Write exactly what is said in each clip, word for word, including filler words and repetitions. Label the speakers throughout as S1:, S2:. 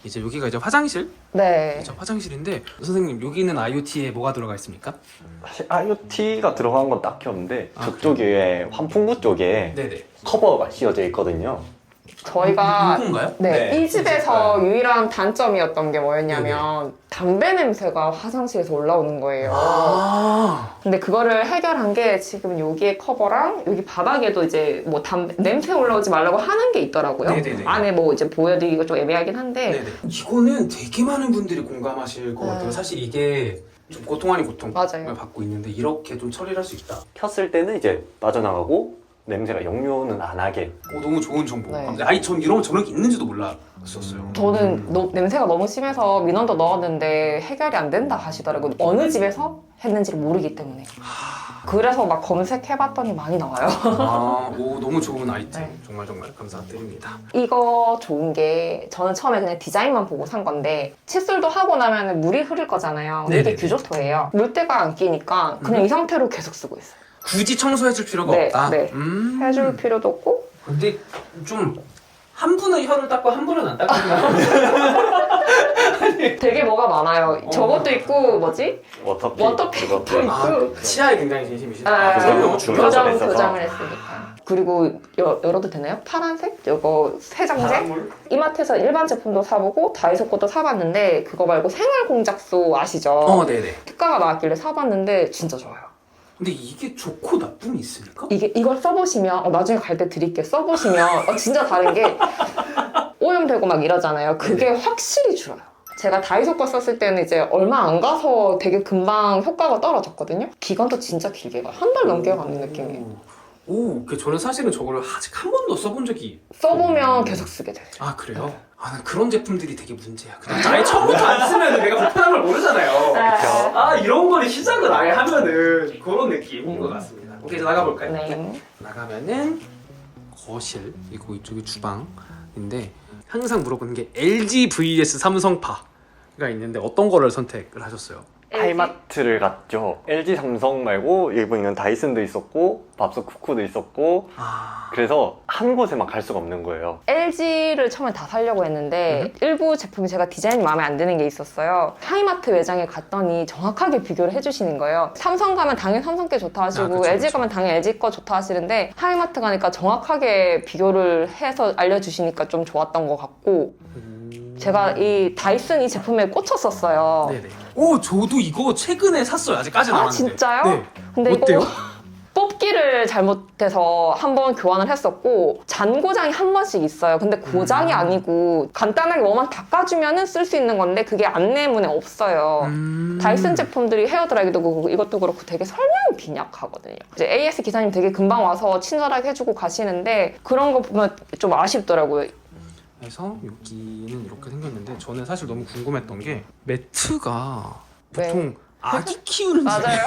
S1: 이제 여기가 이제 화장실?
S2: 네.
S1: 그렇죠, 화장실인데 선생님 여기는 아이오티에 뭐가 들어가 있습니까?
S3: 사실 아이오티가 들어간 건 딱히 없는데
S1: 아,
S3: 저쪽에 환풍구 쪽에
S1: 네네.
S3: 커버가 씌워져 있거든요.
S2: 저희가
S1: 이건가요?
S2: 네,
S3: 네,
S2: 이 집에서 유일한 단점이었던 게 뭐였냐면
S1: 네네.
S2: 담배 냄새가 화장실에서 올라오는 거예요.
S1: 아
S2: 근데 그거를 해결한 게 지금 여기에 커버랑 여기 바닥에도 이제 뭐 담배 냄새 올라오지 말라고 하는 게 있더라고요.
S1: 네네네.
S2: 안에 뭐 이제 보여드리기가 좀 애매하긴 한데
S1: 네네. 이거는 되게 많은 분들이 공감하실 것
S2: 네.
S1: 같아요. 사실 이게 좀 고통 아닌 고통을
S2: 맞아요.
S1: 받고 있는데 이렇게 좀 처리를 할 수 있다.
S3: 켰을 때는 이제 빠져나가고 냄새가 역류는 안 하게.
S1: 오, 너무 좋은 정보.
S2: 네.
S1: 감사합니다. 아니 전 이런 저런 게 있는지도 몰랐었어요.
S2: 저는 너- 냄새가 너무 심해서 민원도 넣었는데 해결이 안 된다 하시더라고요. 어느 집에서 했는지를 모르기 때문에. 그래서 막 검색해봤더니 많이 나와요.
S1: 아, 오 너무 좋은 아이템.
S2: 네.
S1: 정말 정말 감사드립니다.
S2: 이거 좋은 게 저는 처음에 그냥 디자인만 보고 산 건데 칫솔도 하고 나면 물이 흐를 거잖아요.
S1: 네네네.
S2: 이게 규조토예요. 물때가 안 끼니까 그냥
S1: 음.
S2: 이 상태로 계속 쓰고 있어요.
S1: 굳이 청소해줄 필요가
S2: 네,
S1: 없다.
S2: 네.
S1: 음.
S2: 해줄 필요도 없고
S1: 근데 좀 한 분은 혀를 닦고 한 분은 안 닦거든요.
S2: 되게 뭐가 많아요.
S1: 어.
S2: 저것도 있고 뭐지?
S3: 워터픽.
S2: 워터픽도
S3: 그것도.
S2: 있고.
S1: 아, 치아에 굉장히 진심이시다.
S2: 아,
S3: 그럼요.
S2: 교정,
S3: 중간에 있어서.
S2: 교정을 했으니까. 그리고 여, 열어도 되나요? 파란색? 이거 세정제?
S1: 바람물?
S2: 이마트에서 일반 제품도 사보고 다이소 것도 사봤는데 그거 말고 생활공작소 아시죠?
S1: 어, 네네.
S2: 특가가 나왔길래 사봤는데 진짜 좋아요.
S1: 근데 이게 좋고 나쁨이 있습니까?
S2: 이게 이걸 써보시면 어, 나중에 갈 때 드릴게 써보시면 어, 진짜 다른 게 오염되고 막 이러잖아요. 그게 확실히 줄어요. 제가 다이소 거 썼을 때는 이제 얼마 안 가서 되게 금방 효과가 떨어졌거든요. 기간도 진짜 길게 가요. 한 달 넘게 가는 느낌이에요.
S1: 오, 그 저는 사실은 저걸 아직 한 번도 써본 적이.
S2: 써보면 계속 쓰게 돼요.
S1: 아 그래요? 아, 난 그런 제품들이 되게 문제야. 그냥 아예 처음부터 안 쓰면 내가 불편한 걸 모르잖아요.
S2: 그쵸.
S1: 아 이런 거를 시작을 아예 하면은 그런 느낌인 것 같습니다. 오케이, 이제 나가볼까요?
S2: 네.
S1: 나가면은 거실이고 이쪽이 주방인데 항상 물어보는 게 엘지 vs 삼성파가 있는데 어떤 거를 선택을 하셨어요?
S3: 하이마트를 갔죠. 엘지, 삼성 말고 여기 보이는 다이슨도 있었고 밥솥 쿠쿠도 있었고
S1: 아...
S3: 그래서 한 곳에만 갈 수가 없는 거예요.
S2: 엘지를 처음에 다 사려고 했는데 일부 제품이 제가 디자인이 마음에 안 드는 게 있었어요. 하이마트 매장에 갔더니 정확하게 비교를 해주시는 거예요. 삼성 가면 당연히 삼성 게 좋다 하시고
S1: 아, 그쵸,
S2: 엘지
S1: 그쵸.
S2: 가면 당연히 엘지 거 좋다 하시는데 하이마트 가니까 정확하게 비교를 해서 알려주시니까 좀 좋았던 것 같고
S1: 음...
S2: 제가 이 다이슨 이 제품에 꽂혔었어요.
S1: 네네. 오, 저도 이거 최근에 샀어요. 아직까지는 안
S2: 아
S1: 왔는데.
S2: 진짜요?
S1: 네.
S2: 근데
S1: 어때요?
S2: 이거 뽑기를 잘못해서 한 번 교환을 했었고 잔고장이 한 번씩 있어요. 근데 고장이
S1: 음.
S2: 아니고 간단하게 뭐만 닦아주면 쓸 수 있는 건데 그게 안내문에 없어요.
S1: 음...
S2: 다이슨 제품들이 헤어드라이기도 그렇고 이것도 그렇고 되게 설명이 빈약하거든요. 이제 에이에스 기사님 되게 금방 와서 친절하게 해주고 가시는데 그런 거 보면 좀 아쉽더라고요.
S1: 그래서 여기는 이렇게 생겼는데 저는 사실 너무 궁금했던 게 매트가
S2: 네.
S1: 보통 아기 키우는
S2: 맞아요.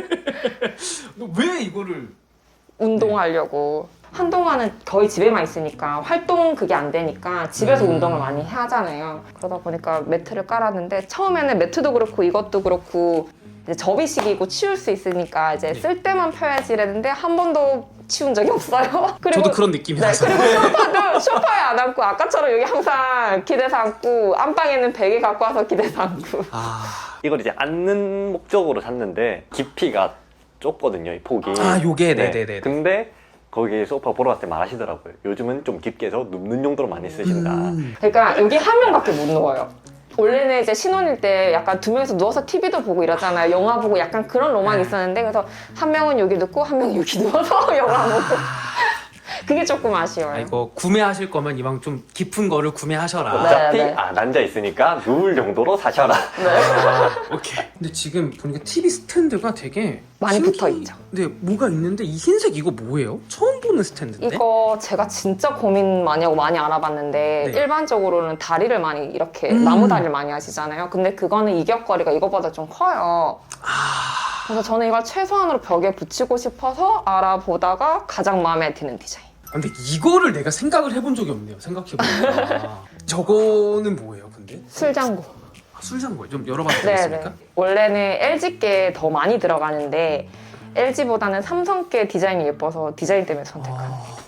S1: 왜 이거를
S2: 운동하려고. 한동안은 거의 집에만 있으니까 활동 그게 안 되니까 집에서
S1: 음.
S2: 운동을 많이 하잖아요. 그러다 보니까 매트를 깔았는데 처음에는 매트도 그렇고 이것도 그렇고 이제 접이식이고 치울 수 있으니까 이제
S1: 네.
S2: 쓸 때만 펴야지 이랬는데 한 번도 치운 적이 없어요. 그리고
S1: 저도 그런
S2: 네,
S1: 느낌이라서
S2: 그리고 소파도 소파에 안 앉고 아까처럼 여기 항상 기대서 앉고 안방에는 베개 갖고 와서 기대서 앉고.
S1: 아,
S3: 이걸 이제 앉는 목적으로 샀는데 깊이가 좁거든요, 이 폭이.
S1: 아 요게 네네네.
S3: 근데 거기 소파 보러 갔을 때 말하시더라고요. 요즘은 좀 깊게 해서 눕는 용도로 많이 쓰신다.
S1: 음.
S2: 그러니까 여기 한 명밖에 못 누워요. 원래는 이제 신혼일 때 약간 두 명이서 누워서 티비도 보고 이러잖아요. 영화 보고 약간 그런 로망이 있었는데 그래서 한 명은 여기 눕고 한 명은 여기 누워서 영화 보고 그게 조금 아쉬워요.
S1: 아, 이거 구매하실 거면 이왕 좀 깊은 거를 구매하셔라.
S2: 네.
S3: 어차피 안 앉아 있으니까 누울 정도로 사셔라.
S1: 아, 오케이. 근데 지금 보니까 티비 스탠드가 되게
S2: 많이
S1: 신기-
S2: 붙어 있죠.
S1: 네, 뭐가 있는데 이 흰색 이거 뭐예요? 처음 보는 스탠드인데?
S2: 이거 제가 진짜 고민 많이 하고 많이 알아봤는데
S1: 네.
S2: 일반적으로는 다리를 많이 이렇게
S1: 음.
S2: 나무 다리를 많이 하시잖아요. 근데 그거는 이격거리가 이거보다 좀 커요.
S1: 아,
S2: 그래서 저는 이걸 최소한으로 벽에 붙이고 싶어서 알아보다가 가장 마음에 드는 디자인.
S1: 근데 이거를 내가 생각을 해본 적이 없네요. 생각해보니까. 저거는 뭐예요, 근데?
S2: 술장고.
S1: 아, 술장고요? 좀 열어봐도
S2: 네네.
S1: 되겠습니까?
S2: 원래는 엘지께 더 많이 들어가는데 엘지보다는 삼성께 디자인이 예뻐서 디자인 때문에 선택한.
S1: 아,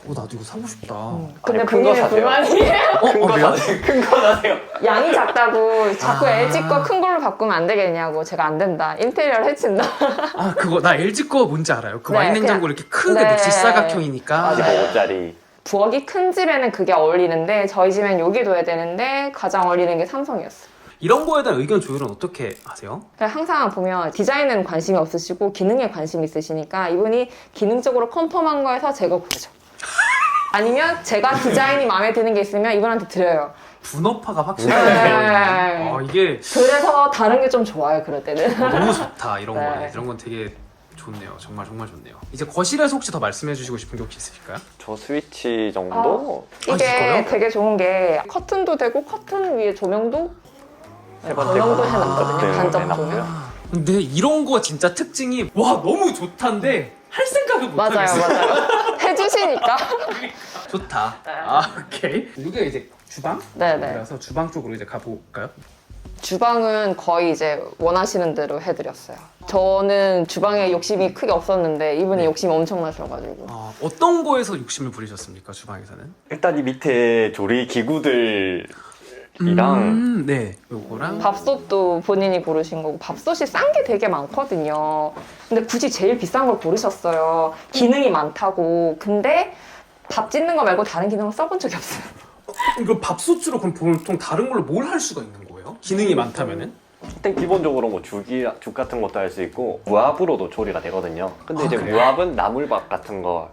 S1: 어 나도 이거 사고 싶다.
S2: 음. 근데
S3: 아니, 큰거
S2: 본인은
S3: 사세요.
S2: 불만이에요.
S1: 어,
S3: 큰
S1: 어
S3: 거
S1: 왜요?
S3: 사세요. 큰 거 사세요.
S2: 양이 작다고 자꾸
S1: 아.
S2: 엘지 거 큰 걸로 바꾸면 안 되겠냐고. 제가 안 된다. 인테리어를 해친다.
S1: 아 그거 나 엘지 거 뭔지 알아요. 그
S2: 네,
S1: 와인 냉장고
S2: 그냥-
S1: 이렇게 크게
S2: 네.
S1: 직사각형이니까.
S2: 맞아요.
S3: 오짜리.
S2: 부엌이 큰 집에는 그게 어울리는데 저희 집엔 여기 둬야 되는데 가장 어울리는 게 삼성이었어요.
S1: 이런 거에 대한 의견 조율은 어떻게 하세요?
S2: 그냥 항상 보면 디자인에는 관심이 없으시고 기능에 관심이 있으시니까 이분이 기능적으로 컨펌한 거에서 제거 고르죠. 아니면 제가 디자인이 마음에 드는 게 있으면 이분한테 드려요.
S1: 분업화가
S2: 네.
S1: 확실하네. 아 이게
S2: 그래서 다른 게 좀 좋아요, 그럴 때는.
S1: 너무 좋다 이런
S2: 네.
S1: 거는. 이런 건 되게 좋네요. 정말 정말 좋네요. 이제 거실에서 혹시 더 말씀해 주시고 싶은 게 혹시 있으실까요?
S3: 저 스위치 정도?
S1: 아,
S2: 이게
S1: 이거요?
S2: 되게 좋은 게 커튼도 되고 커튼 위에 조명도
S3: 세 번째
S2: 조명도
S3: 거.
S2: 해놨거든요.
S3: 네,
S2: 간접
S3: 해놨고요.
S2: 조명.
S1: 근데 이런 거 진짜 특징이 와 너무 좋단데 할 생각을 못
S2: 맞아요,
S1: 하겠어.
S2: 맞아요. 해주시니까.
S1: 좋다.
S2: 네.
S1: 아 오케이. 여기가 이제 주방?
S2: 네네.
S1: 그래서 주방 쪽으로 이제 가볼까요?
S2: 주방은 거의 이제 원하시는 대로 해드렸어요. 저는 주방에 욕심이 크게 없었는데 이분이
S1: 네.
S2: 욕심이 엄청나셔가지고.
S1: 어, 어떤 거에서 욕심을 부리셨습니까 주방에서는?
S3: 일단 이 밑에 조리 기구들이랑
S1: 음, 네. 요거랑
S2: 밥솥도 본인이 고르신 거고 밥솥이 싼 게 되게 많거든요. 근데 굳이 제일 비싼 걸 고르셨어요. 기능이 많다고. 근데 밥 짓는 거 말고 다른 기능을 써본 적이 없어요.
S1: 이거 밥솥으로 그럼 보통 다른 걸로 뭘 할 수가 있는 거예요? 기능이 많다면은?
S3: 일단 기본적으로 뭐 죽이, 죽 같은 것도 할 수 있고 무압으로도 조리가 되거든요. 근데
S1: 아,
S3: 이제
S1: 그래요?
S3: 무압은 나물밥 같은 거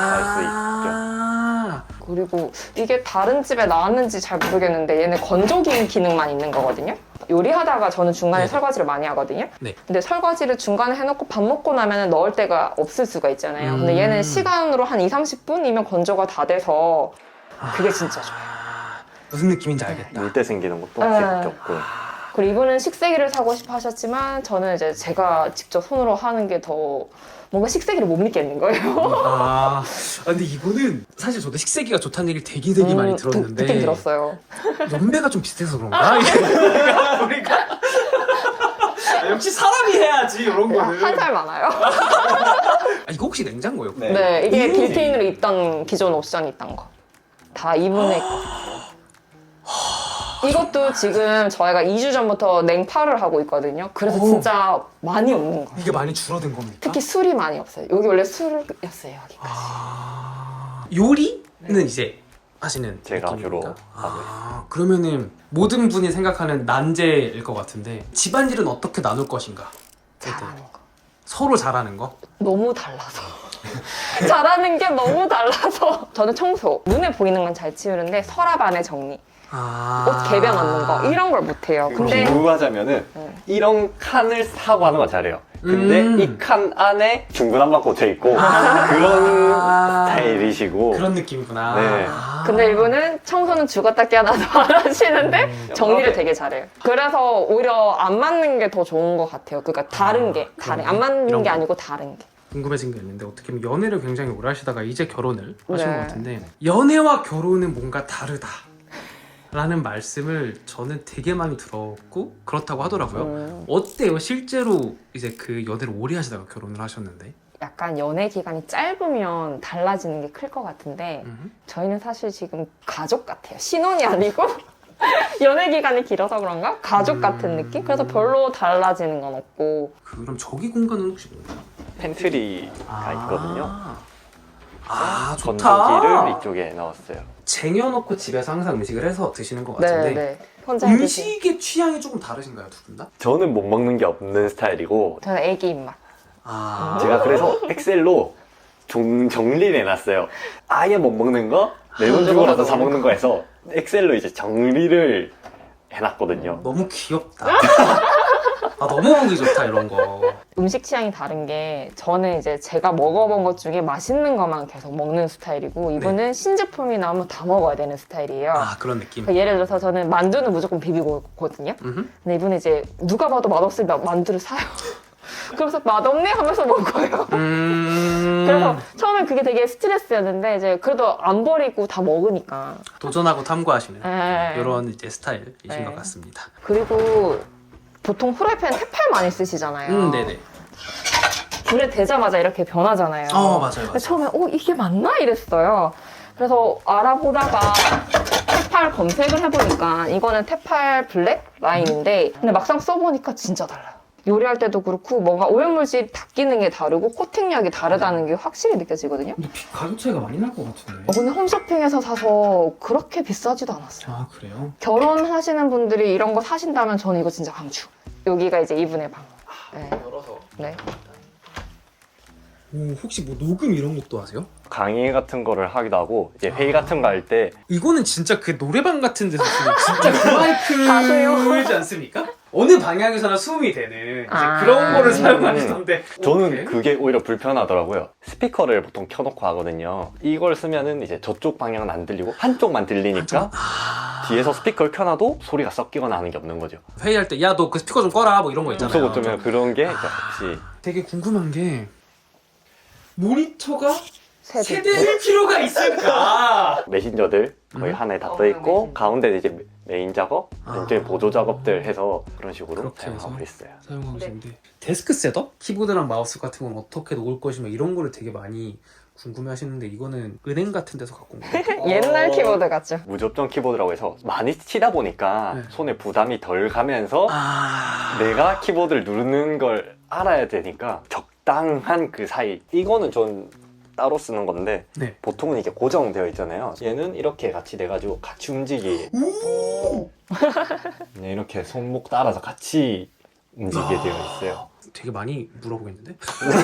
S1: 아,
S2: 그리고 이게 다른 집에 나왔는지 잘 모르겠는데 얘는 건조기 기능만 있는 거거든요. 요리하다가 저는 중간에
S1: 네.
S2: 설거지를 많이 하거든요.
S1: 네.
S2: 근데 설거지를 중간에 해놓고 밥 먹고 나면 넣을 데가 없을 수가 있잖아요. 근데
S1: 음.
S2: 얘는 시간으로 한 이삼십 분이면 건조가 다 돼서 그게 진짜 좋아요.
S1: 아, 무슨 느낌인지 알겠다.
S3: 물때 생기는 것도
S2: 네.
S3: 직접 없고.
S2: 그리고 이분은 식세기를 사고 싶어 하셨지만 저는 이제 제가 직접 손으로 하는 게 더 뭔가 식세기를 못 믿겠는 거예요.
S1: 아, 아, 근데 이거는 사실 저도 식세기가 좋다는 얘기를 되게 되게 많이
S2: 음,
S1: 들었는데
S2: 듣긴 들었어요.
S1: 연배가 좀 비슷해서 그런가? 우리가, 우리가 아, 역시 사람이 해야지 이런 거는.
S2: 한 살 많아요.
S1: 아, 이거 혹시 냉장고예요?
S3: 네.
S2: 네, 이게
S1: 음.
S2: 빌트인으로 있던 기존 옵션이 있던 거. 다 이분의 거. 이것도 지금 저희가 이 주 전부터 냉파를 하고 있거든요. 그래서
S1: 오.
S2: 진짜 많이 없는 거예요.
S1: 이게 많이 줄어든 겁니까?
S2: 특히 술이 많이 없어요. 여기 원래 술이었어요, 여기까지.
S1: 아, 요리는 이제 하시는
S3: 제가
S1: 느낌입니까?
S3: 주로 하고
S1: 아, 그러면은 모든 분이 생각하는 난제일 것 같은데 집안일은 어떻게 나눌 것인가?
S2: 잘하는 거.
S1: 서로 잘하는 거?
S2: 너무 달라서. 잘하는 게 너무 달라서. 저는 청소, 눈에 보이는 건 잘 치우는데 서랍 안에 정리,
S1: 아...
S2: 옷 개변 넣는 거 이런 걸 못해요. 근데
S3: 비유하자면은
S2: 네.
S3: 이런 칸을 사고 하는 건 잘해요. 근데
S1: 음.
S3: 이 칸 안에 중구난방 꽂혀 있고
S1: 아.
S3: 그런 스타일이시고
S1: 그런 느낌이구나.
S3: 네.
S1: 아.
S2: 근데 이분은 청소는 죽었다 깨어나서 안 하시는데
S1: 음.
S2: 정리를 되게 잘해요. 그래서 오히려 안 맞는 게 더 좋은 것 같아요. 그러니까 다른 게 다른
S1: 그러네.
S2: 안 맞는
S1: 이런
S2: 게
S1: 거.
S2: 아니고 다른 게.
S1: 궁금해진 게 있는데 어떻게 보면 연애를 굉장히 오래 하시다가 이제 결혼을 하신
S2: 네.
S1: 것 같은데 연애와 결혼은 뭔가 다르다 라는 말씀을 저는 되게 많이 들었고 그렇다고 하더라고요.
S2: 음,
S1: 어때요? 실제로 이제 그 연애를 오래 하시다가 결혼을 하셨는데
S2: 약간 연애 기간이 짧으면 달라지는 게 클 것 같은데
S1: 음.
S2: 저희는 사실 지금 가족 같아요. 신혼이 아니고 연애 기간이 길어서 그런가? 가족 같은
S1: 음.
S2: 느낌? 그래서 별로 달라지는 건 없고
S1: 그럼 저기 공간은 혹시 뭔가요?
S3: 펜트리가 있거든요.
S1: 아 좋다.
S3: 건조기를 이쪽에 넣었어요.
S1: 쟁여놓고 집에서 항상 음식을 해서 드시는 것
S2: 네,
S1: 같은데
S2: 네. 혼자 해 드시.
S1: 음식의 취향이 조금 다르신가요 두 분 다?
S3: 저는 못 먹는 게 없는 스타일이고
S2: 저는 애기 입맛.
S1: 아
S3: 제가 그래서 엑셀로 정, 정리를 해놨어요. 아예 못 먹는 거, 내 돈 주고라도 사 먹는 거 해서 엑셀로 이제 정리를 해놨거든요.
S1: 너무 귀엽다. 아 너무 보기 좋다 이런 거.
S2: 음식 취향이 다른 게 저는 이제 제가 먹어본 것 중에 맛있는 것만 계속 먹는 스타일이고 이분은 신제품이 나오면 다 먹어야 되는 스타일이에요.
S1: 아 그런 느낌.
S2: 그러니까 예를 들어서 저는 만두는 무조건 비비고 오거든요.
S1: 음흠.
S2: 근데 이분은 이제 누가 봐도 맛없으면 만두를 사요. 그래서 맛없네 하면서 먹어요.
S1: 음...
S2: 그래서 처음엔 그게 되게 스트레스였는데 이제 그래도 안 버리고 다 먹으니까.
S1: 도전하고 탐구하시는
S2: 네.
S1: 이런 이제 스타일이신
S2: 네.
S1: 것 같습니다.
S2: 그리고 보통 후라이팬 테팔 많이 쓰시잖아요.
S1: 음, 네네.
S2: 불에 대자마자 이렇게 변하잖아요.
S1: 어, 맞아요, 맞아요.
S2: 근데 처음에 어 이게 맞나 이랬어요. 그래서 알아보다가 테팔 검색을 해보니까 이거는 테팔 블랙 라인인데 근데 막상 써보니까 진짜 달라요. 요리할 때도 그렇고 뭔가 오염물질 닦이는 게 다르고 코팅력이 다르다는 게 확실히 느껴지거든요.
S1: 근데 가격 차이가 많이 날 것 같은데.
S2: 어, 근데 홈쇼핑에서 사서 그렇게 비싸지도 않았어요.
S1: 아 그래요?
S2: 결혼하시는 분들이 이런 거 사신다면 저는 이거 진짜 강추. 여기가 이제 이분의 방. 네.
S1: 열어서.
S2: 네.
S1: 오, 혹시 뭐 녹음 이런 것도 하세요?
S3: 강의 같은 거를 하기도 하고 이제 회의 같은 거 할 때
S1: 이거는 진짜 그 노래방 같은 데서 쓰는 진짜 그
S2: 가수요.
S1: 마이크지 않습니까? 어느 방향에서나 수음이 되는 이제
S2: 아.
S1: 그런 거를
S3: 음.
S1: 사용하시던데.
S3: 저는
S1: 오케이.
S3: 그게 오히려 불편하더라고요. 스피커를 보통 켜놓고 하거든요. 이걸 쓰면은 이제 저쪽 방향은 안 들리고 한쪽만 들리니까
S1: 아...
S3: 뒤에서 스피커를 켜놔도 소리가 섞이거나 하는 게 없는 거죠.
S1: 회의할 때 야 너 그 스피커 좀 꺼라 뭐 이런 거 있잖아요.
S3: 그래서 어쩌면 그런 게 이제 같이
S1: 되게 궁금한 게 모니터가
S2: 세대.
S1: 세 대일 필요가 있을까?
S3: 메신저들 거의
S1: 음.
S3: 하나에 다
S2: 어,
S3: 떠있고
S2: 메신저.
S3: 가운데 이제 메인 작업,
S1: 아.
S3: 왼쪽에 보조 작업들 해서 그런 식으로
S1: 그렇게
S3: 사용하고
S1: 해서?
S3: 있어요.
S1: 사용하고
S2: 네.
S1: 계신데 데스크 셋업? 키보드랑 마우스 같은 건 어떻게 놓을 것이며 이런 거를 되게 많이 궁금해 하시는데 이거는 은행 같은 데서 갖고 온 거예요?
S2: 옛날
S3: 어.
S2: 키보드 같죠?
S3: 무접점 키보드라고 해서 많이 치다 보니까
S1: 네.
S3: 손에 부담이 덜 가면서
S1: 아...
S3: 내가 키보드를 누르는 걸 알아야 되니까 적당한 그 사이. 이거는 전 따로 쓰는 건데
S1: 네.
S3: 보통은 이게 고정되어 있잖아요. 얘는 이렇게 같이 돼가지고 같이 움직이.
S1: 오!
S3: 네, 이렇게 손목 따라서 같이 움직이게 되어 있어요.
S1: 되게 많이 물어보겠는데?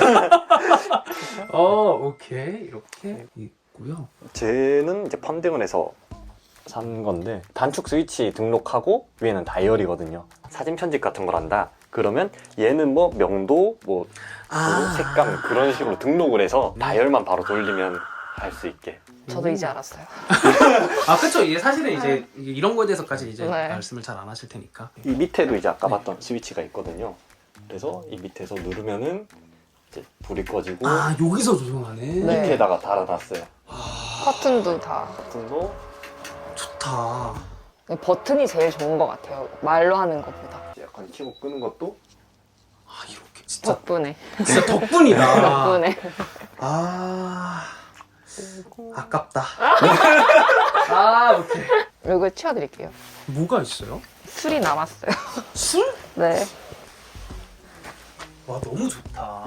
S1: 어, 오케이. 이렇게 있고요.
S3: 쟤는 이제 펀딩을 해서 산 건데 단축 스위치 등록하고 위에는 다이어리거든요. 사진 편집 같은 걸 한다. 그러면 얘는 뭐 명도, 뭐
S1: 아.
S3: 색감 그런 식으로 등록을 해서 다이얼만 바로 돌리면 할 수 있게.
S2: 저도 이제 알았어요.
S1: 아, 그쵸. 이게 사실은 이제 이게 이런 거에 대해서까지 이제
S2: 네.
S1: 말씀을 잘 안 하실 테니까.
S3: 이 밑에도 이제 아까 봤던 스위치가 있거든요. 그래서 이 밑에서 누르면은 이제 불이 꺼지고
S1: 아, 여기서 조정하네.
S2: 네.
S3: 밑에다가 달아놨어요.
S2: 커튼도 다.
S3: 버튼도
S1: 좋다.
S2: 버튼이 제일 좋은 것 같아요. 말로 하는 것보다.
S3: 약간 켜고 끄는 것도
S1: 아, 이렇게 진짜
S2: 덕분에.
S1: 진짜 덕분이다.
S2: 덕분에.
S1: 아, 아깝다. 아, 오케이.
S2: 이거 치워드릴게요.
S1: 뭐가 있어요?
S2: 술이 남았어요.
S1: 술?
S2: 네.
S1: 와, 너무 좋다.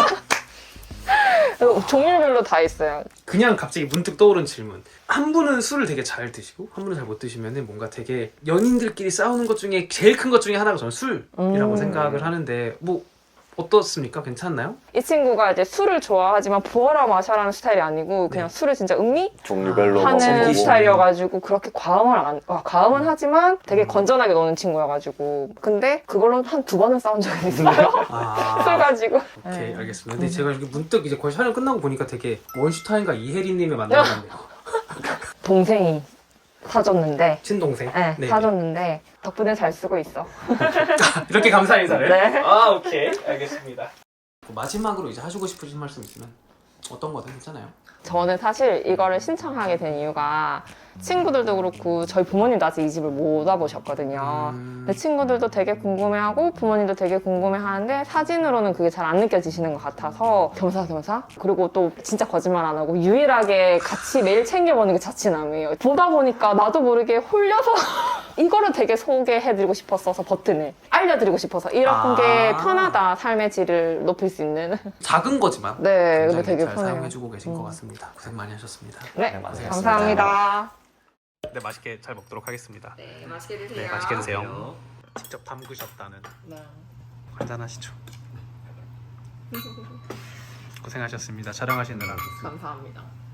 S2: 그리고 종류별로 다 있어요.
S1: 그냥 갑자기 문득 떠오른 질문. 한 분은 술을 되게 잘 드시고 한 분은 잘 못 드시면 뭔가 되게 연인들끼리 싸우는 것 중에 제일 큰 것 중에 하나가 저는 술이라고
S2: 음.
S1: 생각을 하는데 뭐 어떻습니까? 괜찮나요?
S2: 이 친구가 이제 술을 좋아하지만 부어라 마셔라는 스타일이 아니고 그냥
S1: 네.
S2: 술을 진짜 음미
S3: 종류별로
S2: 하는
S3: 먹어보고
S2: 스타일이어가지고 그렇게 과음을 안, 아, 과음은 하지만 되게 건전하게 노는 친구여가지고 근데 그걸로 한 두 번은 싸운 적이 있어요.
S1: 아,
S2: 술 가지고.
S1: 오케이
S2: 네.
S1: 알겠습니다. 근데 제가 이렇게 문득 이제 거의 촬영 끝나고 보니까 되게 원슈타인과 이혜리님을 만나봤네요.
S2: 동생이 사줬는데
S1: 친동생.
S2: 네,
S1: 네.
S2: 사줬는데 덕분에 잘 쓰고 있어.
S1: 이렇게 감사 인사를.
S2: 네.
S1: 아 오케이 알겠습니다. 마지막으로 이제 하시고 싶으신 말씀 있으면 어떤 거든 괜찮아요.
S2: 저는 사실 이거를 신청하게 된 이유가 친구들도 그렇고 저희 부모님도 아직 이 집을 못 와보셨거든요.
S1: 음...
S2: 근데 친구들도 되게 궁금해하고 부모님도 되게 궁금해하는데 사진으로는 그게 잘 안 느껴지시는 것 같아서 겸사겸사 그리고 또 진짜 거짓말 안 하고 유일하게 같이 매일 챙겨보는 게 자취남이에요. 보다 보니까 나도 모르게 홀려서 이거를 되게 소개해드리고 싶었어서 버튼을 알려드리고 싶어서 이런
S1: 아.
S2: 게 편하다 삶의 질을 높일 수 있는
S1: 작은 거지만
S2: 네 근데
S1: 굉장히
S2: 되게
S1: 잘
S2: 편해요.
S1: 사용해주고 계신 것
S2: 음.
S1: 같습니다. 고생 많이 하셨습니다.
S2: 네,
S3: 네, 맞습니다.
S2: 감사합니다.
S1: 네 맛있게 잘 먹도록 하겠습니다.
S2: 네 맛있게 드세요.
S1: 네 맛있게 드세요. 직접 담그셨다는
S2: 네.
S1: 한잔하시죠. 고생하셨습니다. 촬영하시느라.
S2: 감사합니다.